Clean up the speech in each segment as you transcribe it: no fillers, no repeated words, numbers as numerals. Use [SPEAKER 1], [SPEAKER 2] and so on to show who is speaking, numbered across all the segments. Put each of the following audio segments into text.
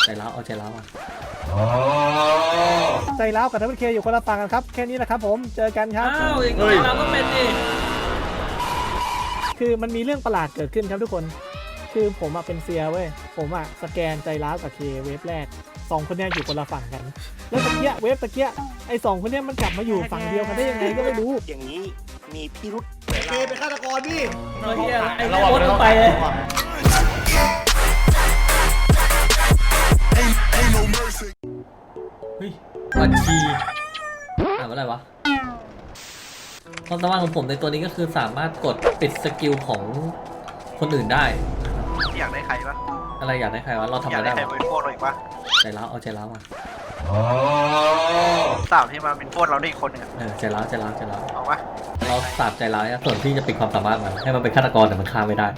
[SPEAKER 1] ใจร้าวเอาใจร้าวอ่ะ
[SPEAKER 2] ใจร้าวกับทัพเเคอยู่คนละฝั่งกันครับแค่นี้แหละครับผมเจอกันครับ
[SPEAKER 1] อ้าวอย่างนี้เราก็เป็นดิ
[SPEAKER 2] คือมันมีเรื่องประหลาดเกิดขึ้นครับทุกคนคือผมเป็นเซียเว้ยผมสแกนใจร้าวกับเคเวฟแรก2คนเนี้ยอยู่คนละฝั่งกันแล้วตะเกียเวฟตะเกียไอ้2คนเนี้ยมันกลับมาอยู่ฝั่งเดียวกันได้ยังไงก็ไม่รู้
[SPEAKER 3] อย่างนี้มีพิรุษ
[SPEAKER 4] เคเป็นฆาตกรพี่
[SPEAKER 1] ไอ้โคตรต้องไปเลยเฮ้ยบัญชีอ่านว่าอะไรวะความสามารถของผมในตัวนี้ก็คือสามารถกดปิดสกิลของคนอื่นได้
[SPEAKER 3] อยากได้ใครปะ
[SPEAKER 1] อะไรอยากได้ใครวะเราทำ
[SPEAKER 3] อยา
[SPEAKER 1] อะ
[SPEAKER 3] ก
[SPEAKER 1] ไร
[SPEAKER 3] ได้
[SPEAKER 1] ได้
[SPEAKER 3] ใคร
[SPEAKER 1] วะ
[SPEAKER 3] เป็นโทษเราอีกปะ
[SPEAKER 1] ใจร้าวเอาใจร้าวอ่ะ
[SPEAKER 3] สาวที่มาเป็นโทษเราได้อีกคนหนึ่งอะ
[SPEAKER 1] ใจร้าวใจร้าวใจร้าว
[SPEAKER 3] เอาปะ
[SPEAKER 1] เราสาบใจร้ายส่วนที่จะปิดความสามารถมันให้มันเป็นฆาตกรแต่มันฆ่าไม่ได้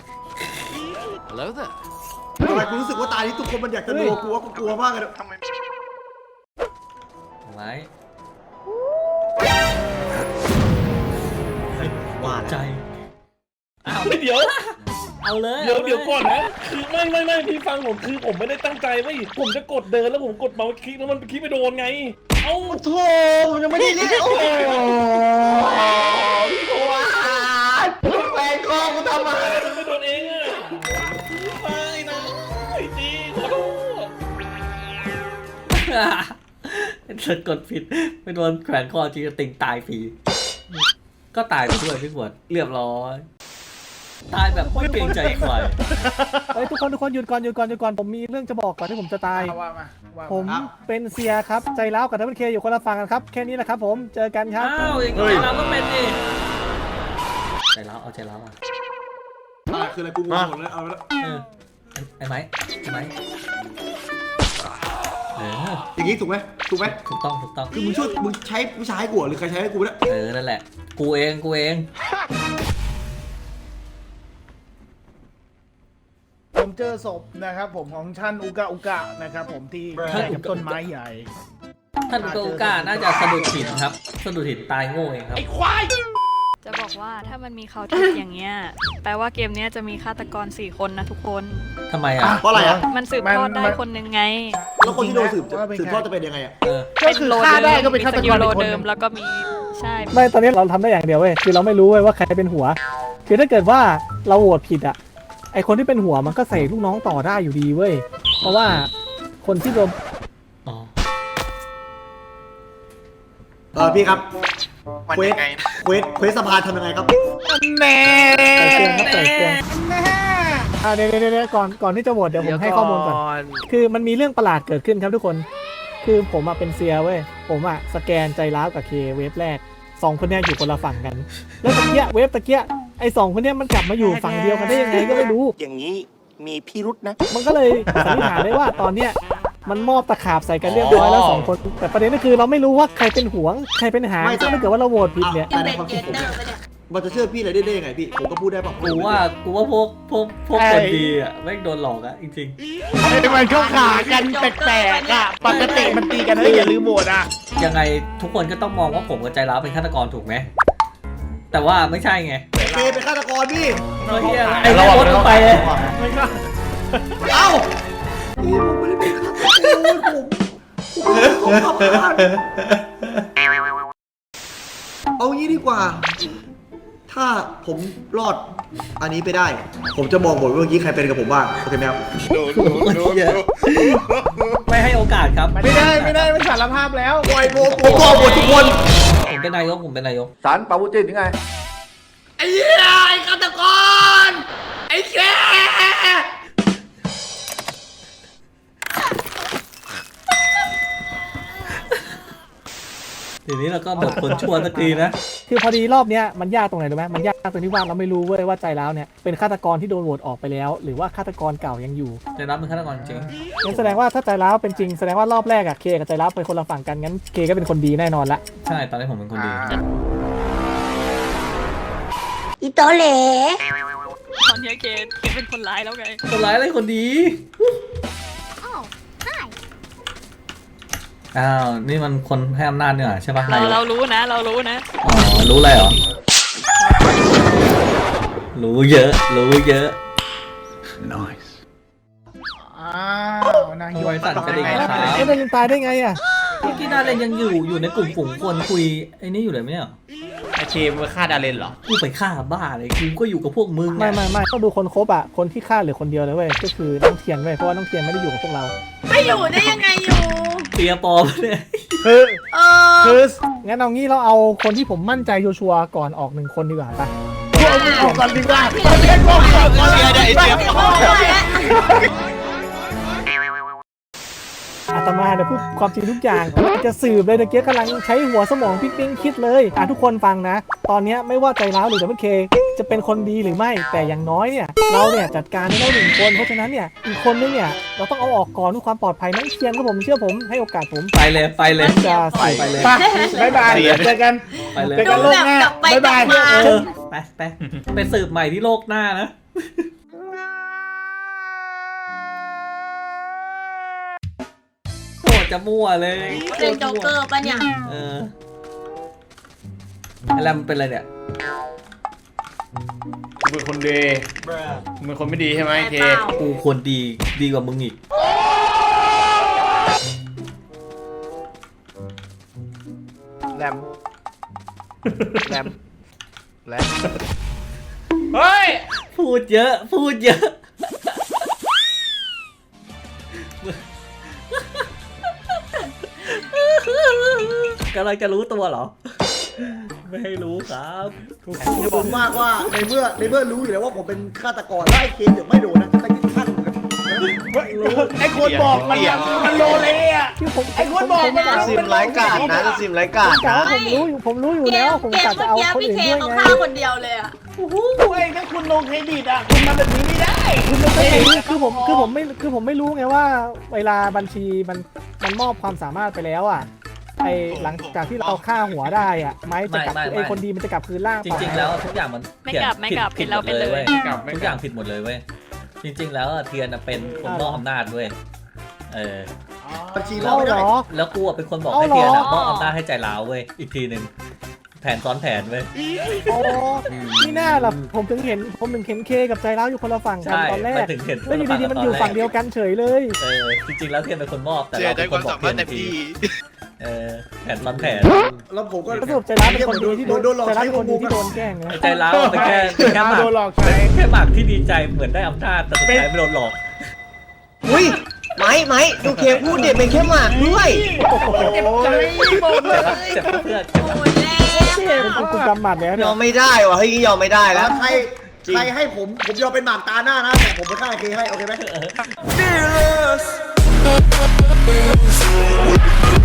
[SPEAKER 4] ทำไมกูรู้สึกว่าตานี้ทุกคนมันอยากจะดูกูว่ากูกลัวมากเลย
[SPEAKER 3] ทำไม
[SPEAKER 1] ไว้
[SPEAKER 4] ว่า
[SPEAKER 1] ใจ
[SPEAKER 4] แล้ว
[SPEAKER 1] อ้าว
[SPEAKER 5] เดี๋ยว
[SPEAKER 1] เอาเลย
[SPEAKER 5] เดี๋ยวก่อนนะคือไม่พี่ฟังผมคือผมไม่ได้ตั้งใจเว้ยผมจะกดเดินแล้วผมกดเมาส์คลิกแล้วมันคลิกไปโดนไงเอ้า
[SPEAKER 4] โธ่มันยังไม่ได้เล่นโอ้โหพี่โคอาแฟนคอกูทำไม
[SPEAKER 5] มันไม่โดนเองอะไม่นะไอ้จีขอโทษ
[SPEAKER 1] ถ้ากดผิดไม่โดนแขวนคอจริงจะติงตายฟรีก็ตายไปด้วยพี่ขวดเรียบร้อยตายแบบไม่เกรงใจใคร
[SPEAKER 2] เฮ้ยทุกคนหยุดก่อนผมมีเรื่องจะบอกก่อนที่ผมจะตายผมเป็นเซียครับใจร้าวกับทัพเเคอยู่คนละฝั่งกันครับแค่นี้แหละครับผมเจอกันครับ
[SPEAKER 1] อ้าวอย่างนี้เราก็เป็นดิใจร้าวเอาใจร้าวอ่ะ
[SPEAKER 4] คืออะไรกูงงหมดเลยเอาละ
[SPEAKER 1] ไอ้ไม้
[SPEAKER 4] อย่างนี้ถูกไหม
[SPEAKER 1] ถูกต้อง
[SPEAKER 4] คือมึงใช้ผู้ชายกูหรือใครใช้ให้กูเนี่ย
[SPEAKER 1] นั่นแหละกูเอง
[SPEAKER 6] ผมเจอศพนะครับผมของท่านอุกะนะครับผมที่ใกล้กับต้นไม้ใหญ่
[SPEAKER 1] ท่านโกก้าน่าจะสะดุดหินครับสะดุดหินตายโง่เองครับ
[SPEAKER 7] จะบอกว่าถ้ามันมีเขาทิปอย่างเงี้ยแปลว่าเกมเนี้ยจะมีฆาตกร4 คนนะทุกคน
[SPEAKER 1] ทำไมอ่ะ
[SPEAKER 4] เพราะอะไรอ่ะ
[SPEAKER 7] มันสืบทอดได้คนหนึ่งไง
[SPEAKER 4] แล้วคนที่โดนสืบทอดจะเป็นยังไงอ่ะ
[SPEAKER 6] ก็คือฆ่าได้ก็เป็นฆาตกร
[SPEAKER 7] โล
[SPEAKER 6] อีกคน
[SPEAKER 7] เดิ
[SPEAKER 6] หนึ่
[SPEAKER 7] ม
[SPEAKER 6] ง
[SPEAKER 7] แล้วก็มีใช่
[SPEAKER 2] ไม่ตอนนี้เราทำได้อย่างเดียวเว้ยคือเราไม่รู้เว้ยว่าใครเป็นหัวคือถ้าเกิดว่าเราโหวตผิดไอคนที่เป็นหัวมันก็ใส่ลูกน้องต่อได้อยู่ดีเว้ยเพราะว่าคนที่โดน
[SPEAKER 1] อ๋อ
[SPEAKER 4] พี่ครับ
[SPEAKER 3] มัน
[SPEAKER 4] เควส
[SPEAKER 3] ยังไง
[SPEAKER 4] เควสสะพานทำยังไงครับ
[SPEAKER 6] แน่
[SPEAKER 2] ใส่เครื่องครับใส่เครื่องเดี๋ยวก่อนที่จะโหวตเดี๋ยวผมให้ข้อมูลก่อนคือมันมีเรื่องประหลาดเกิดขึ้นครับทุกคนคือผมเป็นเซียเว้ยผมสแกนใจร้าวกับเคเวฟแรก2คนเนี้ยอยู่คนละฝั่งกันแล้วตะเกียเวฟตะเกียไอ้2คนเนี้ยมันกลับมาอยู่ฝั่งเดียวกันได้ยังไงก็ไม่รู้
[SPEAKER 3] อย่างนี้มีพิรุษนะ
[SPEAKER 2] มันก็เลยสันนิษฐานได้ว่าตอนเนี้ยมันมอบตะขาบใส่กันเรียบร้อยแล้ว2 คนแต่ประเด็นก็คือเราไม่รู้ว่าใครเป็นหวงใครเป็นหาง
[SPEAKER 4] ไม่
[SPEAKER 2] ซึ่งถ้าเกิดว่าเราโหวตผิดเนี่ย
[SPEAKER 4] แต่ในความคิดผมมันจะเชื่อพี่อะไรได้ยังไงพี่ผมก็พูดได้ป่ะ
[SPEAKER 1] กูว่าพวกคนดีอ่ะไม่งโดนหลอกอ่ะจริง
[SPEAKER 6] ไอ้มันเข้าขากันแปลกๆอ่ะปกติมันตีกันเฮ้ยอย่าลืมโหวตอ่ะ
[SPEAKER 1] ๆยังไงทุกคนก็ต้องมองว่าผมกับใจร้าวเป็นฆาตกรถูกไหมแต่ว่าไม่ใช่ไง
[SPEAKER 4] เคเป็นฆาตกรพี่
[SPEAKER 1] ไอ้โคตรต้องไปเลย
[SPEAKER 4] เอ้าพี่ผมไม่ได้เป็นฆาตกรผมเป็นของสะพานเอางี้ดีกว่า ถ้าผมรอดอันนี้ไปได้ ผมจะบอกหมดว่าเมื่อกี้ใครเป็นกับผมบ้างโอเคไหมครับ
[SPEAKER 1] ไม่ให้โอกาสครับ
[SPEAKER 6] ไม่ได้มันสารภาพแล้ว
[SPEAKER 4] ปล่อยผมบอกหมดทุกคน
[SPEAKER 1] ผมเป็นนายก
[SPEAKER 8] สารปาวุจินยังไง
[SPEAKER 4] ไอ้เหี้ยไอ้ฆาตกรไอ้แก
[SPEAKER 1] ทีนี้เราก็หมดคนชั่วสักทีนะ
[SPEAKER 2] คือพอดีรอบเนี้ยมันยากตรงไหนรู้ไหมมันยากตรงที่ว่าเราไม่รู้เว้ยว่าใจร้าวเนี่ยเป็นฆาตกรที่โดนโหวตออกไปแล้ว หรือว่าฆาตกรเก่ายังอยู่
[SPEAKER 1] ใจร้าวเป็นฆาตกรจริง
[SPEAKER 2] งั้นแสดงว่าถ้าใจร้าวเป็นจริงแสดงว่ารอบแรกเคกับใจร้าวเป็นคนละฝั่งกันงั้นเคก็เป็นคนดีแน่นอนละ
[SPEAKER 1] ใช่ตอนนี้ผมเป็นคนดี
[SPEAKER 9] อีโตเหล
[SPEAKER 7] ตอนเนี้ยเคเป็นคนร้ายแล้วไง
[SPEAKER 1] คนร้ายอะไรคนดี อ้าวนี่มันคนให้อำนาจเนี่ยใช่ปะนายก
[SPEAKER 7] เรารู้นะ
[SPEAKER 1] อ๋อรู้อะไรเหรอ รู้เยอะ
[SPEAKER 6] อ้าวไหนนะ
[SPEAKER 1] บอยสั่นกระดิ่งครับ
[SPEAKER 2] แล้วมันยังตายได้ไงอ่ะ
[SPEAKER 1] เมื่อกี้ดาเลนยังอยู่ในกลุ่มฝูงคนคุยไอ้นี่อยู่เลยไหมเนี่ย
[SPEAKER 8] ไอเคมไปฆ่าดาเลนเหรอ
[SPEAKER 1] กูไปฆ่าบ้าเลยกูก็อยู่กับพวกมึง
[SPEAKER 2] ไม่ต้องดูคนครบอ่ะคนที่ฆ่าเหลือคนเดียวเลยเว้ยก็คือน้องเทียนเว้ยเพราะว่าน้องเทียนไม่ได้อยู่กับพวกเรา
[SPEAKER 10] ไม่อยู่ได้ยังไงอยู่
[SPEAKER 1] เปียปอมเนี่ย
[SPEAKER 2] คือ
[SPEAKER 10] เออ
[SPEAKER 2] คืองั้นเอางี้เราเอาคนที่ผมมั่นใจชัวร์ๆก่อนออกหนึ่งคนดีกว่าปะ
[SPEAKER 6] เอาก่อนดีกว่า
[SPEAKER 10] เชียร์ได้เชียร์
[SPEAKER 2] อาตมาเนี่ยพูดความจริงทุกอย่างจะสืบเลยตะเกียกำลังใช้หัวสมองปิ๊งคิดเลยทุกคนฟังนะ ตอนนี้ไม่ว่าใจร้าวหรือจะไม่เคจะเป็นคนดีหรือไม่แต่อย่างน้อยเนี่ยเราเนี่ยจัดการได้หนึ่งคนเพราะฉะนั้นเนี่ยอีกคนนึงเนี่ยเราต้องเอาออกก่อนเพื่อความปลอดภัยน้องเทียนครับผมเชื่อผมให้โอกาสผม
[SPEAKER 1] ไปเลย
[SPEAKER 2] จะใส่
[SPEAKER 1] ไปเลย
[SPEAKER 6] ไปบ๊ายบายเจอกัน
[SPEAKER 1] ไปเลย
[SPEAKER 6] เจอกันโลกหน้า
[SPEAKER 10] แบบกลับไป
[SPEAKER 6] บ๊ายบาย
[SPEAKER 10] กลับมา
[SPEAKER 1] ไปสืบใหม่ที่โลกหน้านะโคตรจะมั่วเลย
[SPEAKER 10] เป็นโจ๊กเกอร์ปะเนี่ย
[SPEAKER 1] อะไรมันเป็นอะไรเนี่ย
[SPEAKER 8] กูเป็นคนดีมึงเป็นคนไม่ดีใช่ไหมเค
[SPEAKER 1] กูควรดีกว่ามึงอีก
[SPEAKER 3] แรมแรม
[SPEAKER 8] เฮ้ย
[SPEAKER 1] พูดเยอะกำลังจะรู้ตัวเหรอ ไม่ให้รู้ครับ
[SPEAKER 4] จะบอกมากว่าในเมื่อรู้อยู่แล้วว่าผมเป็นฆาตกรไล่เคนเดี๋ยวไม่โดนนะใครที่ฆ่าผมนะ
[SPEAKER 6] ไอ้คนบอกมันโลเลยอ่ะ
[SPEAKER 2] ที่ผม
[SPEAKER 6] ไอ้คนบอกมัน
[SPEAKER 8] ซิมไร้กาดนะซิมไร้กาด
[SPEAKER 2] กะ
[SPEAKER 8] นะ
[SPEAKER 2] ว่าผมรู้อยู่แล้วผมกะจะเอาคน
[SPEAKER 10] พี่
[SPEAKER 2] อื่น
[SPEAKER 10] เค
[SPEAKER 2] ด้วย
[SPEAKER 10] เขา
[SPEAKER 2] ไง
[SPEAKER 10] ฆ่าคนเดียวเลยอ่ะ
[SPEAKER 6] โอ้โหถ้าคุณลงเครดิตอ่ะคุณทำแบบนี้ไม่ได้คุณลงเครดิต
[SPEAKER 2] คือผมไม่รู้ไงว่าเวลาบัญชีมันมอบความสามารถไปแล้วอ่ะไอหลังจากที่เราฆ่าหัวได้อ่ะไม้จะกลับไอคนดีมันจะกลับคืนร่าง
[SPEAKER 1] จริงๆแล้วทุกอย่างมัน
[SPEAKER 7] ไม่กลับไม่กลับ
[SPEAKER 1] ผิด
[SPEAKER 7] เรา
[SPEAKER 1] หม
[SPEAKER 7] ไป
[SPEAKER 1] ด
[SPEAKER 7] เล
[SPEAKER 1] เลย
[SPEAKER 7] ย
[SPEAKER 1] เว้ยทุกอย่างผิดหมดเลยเว้ยจริง ๆ แล้วเทียนเป็นคนมอบอำนาจเว้ย
[SPEAKER 4] บัญชี
[SPEAKER 2] เรา
[SPEAKER 4] เราไม่
[SPEAKER 2] เหร
[SPEAKER 4] ได้
[SPEAKER 2] อ
[SPEAKER 1] แล้วกูเป็นคนบอกให้เทียนมอบอำนาจให้ใจร้าวเว้ยอีกทีหนึ่งแผนซ้อนแผนเว้ย
[SPEAKER 2] โอ้นี่น่าล่ะผมถึงเห็นเคกับใจร้าวอยู่คนละฝั่งกัน
[SPEAKER 1] ใช่
[SPEAKER 2] ตอนแร
[SPEAKER 1] ไป
[SPEAKER 2] ก
[SPEAKER 1] ถึงเห็น
[SPEAKER 2] แล้วอยู่ดีๆมันอยู่ฝั่งเดียวกันเฉยเลย
[SPEAKER 1] จริงๆแล้วเทียนเป็นคนมอบแต่เราเป็นคนบอกเทียนทีแผนซ้อนแผน
[SPEAKER 4] แล้วผมก็
[SPEAKER 2] สรุปใจร้าวเป็นคนดีที่โดน
[SPEAKER 4] หลอก
[SPEAKER 2] ใจร้าว
[SPEAKER 4] ใช้
[SPEAKER 2] เป็น
[SPEAKER 4] ข
[SPEAKER 2] ค
[SPEAKER 4] อง
[SPEAKER 2] น
[SPEAKER 4] ผ
[SPEAKER 2] ดี
[SPEAKER 4] ม
[SPEAKER 2] ที่โดนแกล้งนะ
[SPEAKER 1] ใจร้าวแต่แค่หมาก
[SPEAKER 6] โดนหลอกใช้
[SPEAKER 1] แค่หมากที่ดีใจเหมือนได้อำนาจแต่สุดท้ายไม่โดนหลอก
[SPEAKER 8] อุ้ยไหมดูเคพูดเด็ดเป็นแค่หมากด้วย
[SPEAKER 6] เจ็บใจหมดเลย
[SPEAKER 1] เจ็บเพื่อน
[SPEAKER 10] โอ้ยแล้ว
[SPEAKER 2] เป็นคุณกำหมัดแล้ว
[SPEAKER 8] ย
[SPEAKER 2] เนี่ย
[SPEAKER 8] อมไม่ได้วะเฮ้ยยอมไม่ได้
[SPEAKER 4] แล้
[SPEAKER 8] แล้ว ว
[SPEAKER 4] ใครให้ผมยอมเป็นหมากตาหน้านะแต่ผมไปฆ่าเคให้โอเคไหม